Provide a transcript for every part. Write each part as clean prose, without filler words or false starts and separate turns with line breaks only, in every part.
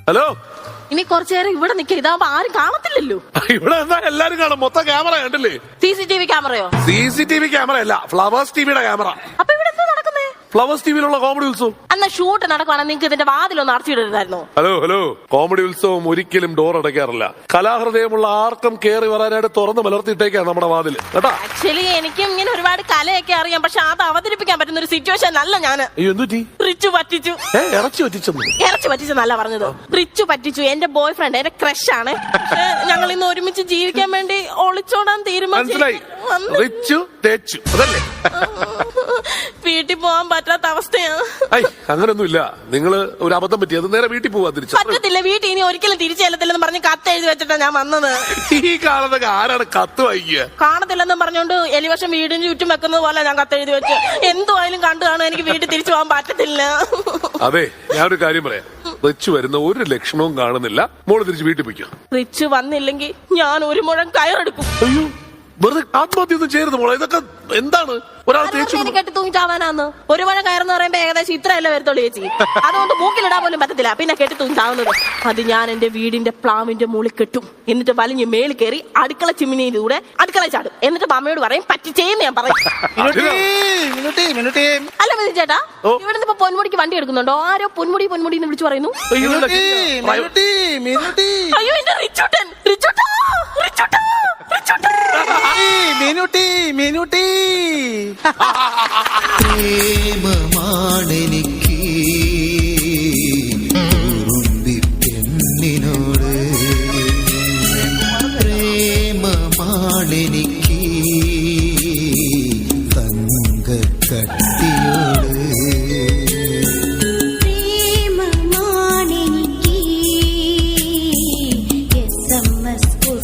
Hello.
ഇനി കുറച്ചു നേരം ഇവിടെ നിൽക്കുക, ഇതാവുമ്പോ ആരും കാണത്തില്ലല്ലോ.
ഇവിടെ എന്താ എല്ലാരും കാണും, മൊത്തം ക്യാമറ കണ്ടില്ലേ?
CCTV ക്യാമറയോ?
CCTV ക്യാമറ അല്ല, ഫ്ലവേഴ്സ് ടിവിയുടെ ക്യാമറ.
അപ്പൊ ഇവിടെ എന്താ നടക്കുന്നേ?
ഫ്ലവേഴ്സ് ടിവിയിലുള്ള കോമഡി ഉത്സവം.
അന്ന് ഷൂട്ട് നടക്കുവാണെങ്കിൽ നിങ്ങൾക്ക് ഇതിന്റെ വാതിലൊന്ന് അടച്ചിടരുതായിരുന്നോ?
ഹലോ, കോമഡി ഉത്സവം ഒരിക്കലും ഡോർ അടയ്ക്കാറില്ല. കലാഹൃദയമുള്ള ആർക്കും കയറി വരാനായിട്ട് തുറന്ന് മലർത്തിയിട്ടേക്കാണ് നമ്മുടെ വാതിൽ കേട്ടാ.
ആക്ച്വലി എനിക്കും ഇങ്ങനെ ഒരുപാട് കലയൊക്കെ അറിയാം, പക്ഷെ അത് അവതരിപ്പിക്കാൻ പറ്റുന്ന ഒരു സിറ്റുവേഷൻ അല്ല ഞാൻ. റിച്ചു പറ്റിച്ചു.
ഇറച്ചി
പറ്റിച്ചെന്നല്ല പറഞ്ഞത്, റിച്ചു പറ്റിച്ചു. എന്റെ ബോയ് ഫ്രണ്ട്, എന്റെ ക്രഷ് ആണ്. പക്ഷെ ഞങ്ങൾ ഇന്ന് ഒരുമിച്ച് ജീവിക്കാൻ വേണ്ടി ഒളിച്ചോടാൻ തീരുമാനിച്ചു. വീട്ടിൽ പോവാൻ പറ്റാത്ത അവസ്ഥയാണ്.
അങ്ങനൊന്നുമില്ല, നിങ്ങള് ഒരു അബദ്ധം പറ്റി, അത് നേരെ വീട്ടിൽ പോവാ.
പറ്റത്തില്ല, വീട്ടിൽ ഇനി ഒരിക്കലും തിരിച്ചു ചെല്ലത്തില്ലെന്ന് പറഞ്ഞ് കത്ത് എഴുതി വെച്ചിട്ടാ ഞാൻ വന്നത്.
ഈ കാലത്തൊക്കെ ആരാണ് കത്ത് വായിക്കുക?
കാണത്തില്ലെന്നും പറഞ്ഞോണ്ട് എലിവശം വീടിന് ചുറ്റും വെക്കുന്നത് പോലെ ഞാൻ കത്ത് എഴുതി വെച്ച്. എന്തുവായാലും കണ്ടു കാണും, എനിക്ക് വീട്ടിൽ തിരിച്ചു പോകാൻ പറ്റത്തില്ല.
അതെ, ഞാനൊരു കാര്യം പറയാം. റിച്ചു വരുന്ന ഒരു ലക്ഷണവും കാണുന്നില്ല. മോള് തിരിച്ച് വീട്ടിൽ പോയിക്കോ.
റിച്ചു വന്നില്ലെങ്കിൽ ഞാൻ ഒരു മുഴം കയറെടുക്കും.
അയ്യോ, വെറുതെ ആത്മഹത്യ ഒന്നും ചെയ്യരുത് മോളെ. ഇതൊക്കെ എന്താണ്? ഒരാൾ
കെട്ടി തൂങ്ങിച്ചാവാനാന്ന്. ഒരു മഴ കയറെന്ന് പറയുമ്പോ ഏകദേശം ഇത്രയല്ലേ വരത്തുള്ളൂ ചേച്ചി. അതുകൊണ്ട് മൂക്കിലിടാൻ പോലും പറ്റത്തില്ല, പിന്നെ കെട്ടി തൂങ്ങിച്ചാവുന്നത്. അത് ഞാൻ എന്റെ വീടിന്റെ പ്ലാവിന്റെ മുകളിൽ കെട്ടും. എന്നിട്ട് വലിഞ്ഞ് മേളിൽ കയറി അടുക്കള ചിമ്മിനിയിലൂടെ അടുക്കള ചാടും. എന്നിട്ട് അമ്മയോട് പറയും പറ്റിച്ചേന്ന് ഞാൻ പറയും. അല്ല മതി ചേട്ടാ, ഇവിടുന്ന് ഇപ്പൊ പൊന്മുടിക്ക് വണ്ടി എടുക്കുന്നുണ്ടോ? ആരോ പൊന്മുടി എന്ന് വിളിച്ചു പറയുന്നു. അയ്യോ, എന്റെ റിച്ചൂട്ടൻ.
പ്രേമമാണെനിക്ക് പെണ്ണിനോട്, പ്രേമമാണെനിക്ക് തങ്കക്കട്ടിയോട്,
പ്രേമമാണെനിക്ക് SMS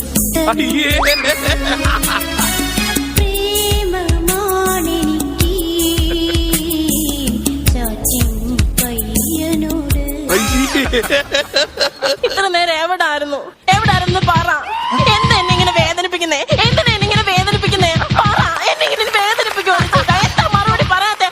ഇത്ര നേരം എവിടായിരുന്നു പറ. എന്താ എന്നെ ഇങ്ങനെ വേദനിപ്പിക്കുന്നേ? പറ, എന്നെ ഇങ്ങനെ വേദനിപ്പിക്കുമോ? എന്താ മറുപടി പറയാത്തെ?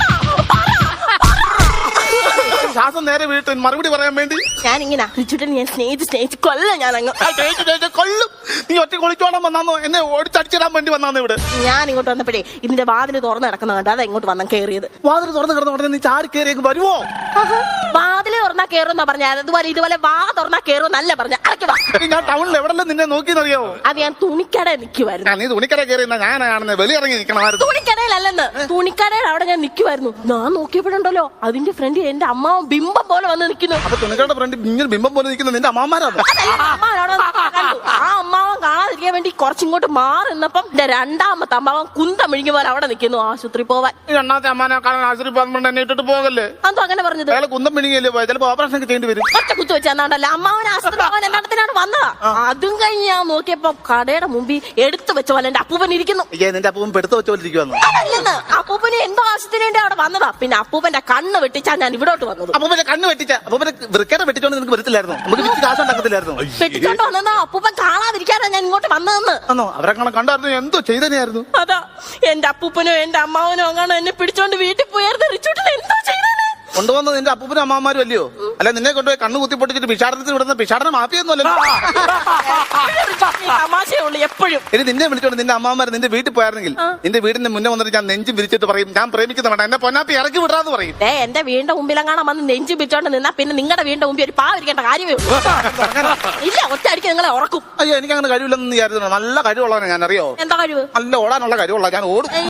ശ്വാസം നേരെ വീട്ട് മറുപടി പറയാൻ വേണ്ടി
ഞാനിങ്ങനെ റിച്ചുട്ടൻ ഞാൻ സ്നേഹിച്ച് കൊല്ല. ഞാൻ അങ്ങ്
കൊല്ലും. നീ ഒറ്റ കൊളിച്ചോണം വന്നാന്നോ? എന്നെ ഓടിച്ചടിച്ചിടാൻ വേണ്ടി വന്നാന്നോ ഇവിടെ?
ഞാൻ ഇങ്ങോട്ട് വന്നപ്പോഴേ ഇതിന്റെ വാതില് തുറന്ന് കിടക്കുന്ന കണ്ട, അതാ ഇങ്ങോട്ട് വന്ന കയറിയത്.
വാതിൽ തുറന്ന് കിടന്ന ഉടനെ നീ ചാടി കയറിയേക്ക് വരുമോ?
വാതില് തുറന്നാ കയറുന്നാ പറഞ്ഞ, ഇതുപോലെ വാ തുറന്നാ കയറുന്നല്ല പറഞ്ഞ.
ഞാൻ ടൗണിൽ എവിടെല്ലാം നിന്നെ നോക്കിയെന്നറിയാവോ?
അത് ഞാൻ തുണിക്കട നിൽക്കുമായിരുന്നു.
നീ തുണിക്കട കയറി ഞാനാണെന്ന് വെളിയിറങ്ങി നിൽക്കണമായിരുന്നു.
തുണിക്കടയിലല്ലെന്ന്, തുണിക്കടയിൽ അവിടെ ഞാൻ നിൽക്കുമായിരുന്നു. ഞാൻ നോക്കിയപ്പോഴുണ്ടല്ലോ അതിന്റെ ഫ്രണ്ട് എന്റെ അമ്മാവൻ ബിംബം പോലെ വന്ന് നിൽക്കുന്നു.
അപ്പൊ തുണിക്കടയുടെ ഫ്രണ്ട് ഇങ്ങനെ ബിംബം പോലെ നിൽക്കുന്ന നിന്റെ അമ്മാമാരാണ്.
ആ അമ്മാവൻ കാണാതിരിക്കാൻ വേണ്ടി കുറച്ചിങ്ങോട്ട് മാറി നിന്നപ്പം എന്റെ രണ്ടാമത്തെ അമ്മാവൻ കുന്തം മിഴിഞ്ഞ പോലെ അവിടെ നിൽക്കുന്നു. ആശുപത്രി പോവാൻ.
രണ്ടാമത്തെ അമ്മാനെ കാണാൻ ആശുപത്രി പോകാൻ എന്നെ ഇട്ടിട്ട് പോകല്ലേ?
അതോ അങ്ങനെ പറഞ്ഞത്?
കുന്തം മിണിങ്ങല്ലേ പോയത്, ചിലപ്പോ ഓപ്പറേഷൻ ഒക്കെ ചെയ്യേണ്ടി വരും.
ഒറ്റ കുത്തു വെച്ചാണ്ടല്ലോ അമ്മാവൻ ആശുപത്രി പോകാൻ രണ്ടാമത്തിനാണ് വന്നതാ. അതും കഴിഞ്ഞ് ഞാൻ നോക്കിയപ്പോ കടയുടെ മുമ്പിൽ എടുത്തു വെച്ച പോലെ എന്റെ അപ്പൂപ്പൻ ഇരിക്കുന്നു.
നിന്റെ അപ്പൂപ്പൻ പെടുത്ത് വെച്ചോണ്ടിരിക്കുന്നു.
അതല്ലെന്ന്, അപ്പൂപ്പന് എന്തോ ആവശ്യത്തിന് വേണ്ടി അവിടെ വന്നതാ. പിന്നെ അപ്പൂപ്പന്റെ കണ്ണ് വെട്ടിച്ചാ ഞാൻ ഇവിടോട്ട് വന്നത്.
അപ്പൂപ്പന്റെ കണ്ണ് വെട്ടിച്ച അപ്പൂപ്പന്റെ വൃക്കയുടെ വെട്ടിച്ചോണ്ട് നിനക്ക് വരത്തില്ലായിരുന്നു. നമുക്ക് വിറ്റ് കാശ് ഉണ്ടാക്കത്തില്ലായിരുന്നു.
വെട്ടിച്ചോണ്ട് വന്നാ അപ്പൂപ്പൻ കാണാതിരിക്കാനാ ഞാൻ ഇങ്ങോട്ട് വന്നതെന്ന്.
അവരെ കണ്ടായിരുന്നു എന്തോ ചെയ്തനെയായിരുന്നു.
അതാ എന്റെ അപ്പൂപ്പനോ എന്റെ അമ്മാവനോ അങ്ങനെ എന്നെ പിടിച്ചോണ്ട് വീട്ടിൽ പോയായിരുന്നു. റിച്ചൂട്ടൻ എന്തോ ചെയ്തേ?
കൊണ്ടുവന്നത് നിന്റെ അപ്പൂപ്പനും അമ്മമാരും അല്ലയോ? അല്ല നിന്നെ കൊണ്ടുപോയി കണ്ണു കുത്തി പൊട്ടിച്ചിട്ട് പിഷാടനത്തിൽ വിടുന്ന പിഷാടന മാഫിയൊന്നും അല്ലല്ലോ.
തമാശയുള്ളൂ എപ്പോഴും.
ഇനി നിന്നെ വിളിച്ചോണ്ട് നിന്റെ അമ്മമാർ നിന്റെ വീട്ടിൽ പോയായിരുന്നെങ്കിൽ നിന്റെ വീടിന്റെ മുന്നേ വന്നിട്ട് ഞാൻ നെഞ്ചും വിരിച്ചിട്ട് പറയും ഞാൻ പ്രേമിക്കുന്ന വേണ്ട, എന്നെ പൊന്നാപ്പി ഇറക്കി വിടാന്ന് പറയും.
എന്റെ വീടിന്റെ മുമ്പിലെങ്ങാണം വന്ന് നെഞ്ചു പിടിച്ചോണ്ട് നിന്നാ പിന്നെ നിങ്ങളുടെ വീടിന്റെ മുമ്പിൽ ഒരു പാവിരിക്കേണ്ട കാര്യമേ ഉള്ളൂ. ഇല്ല, ഒറ്റ അടിക്ക് നിങ്ങളെ ഉറക്കും.
അയ്യോ, എനിക്ക് അങ്ങനെ കഴിവില്ലെന്ന് വിചാരിച്ചു. നല്ല കഴിവുള്ളവനെ ഞാൻ അറിയോ?
എന്താ കഴിവ്?
നല്ല ഓടാനുള്ള കഴിവുള്ള ഞാൻ ഓടും.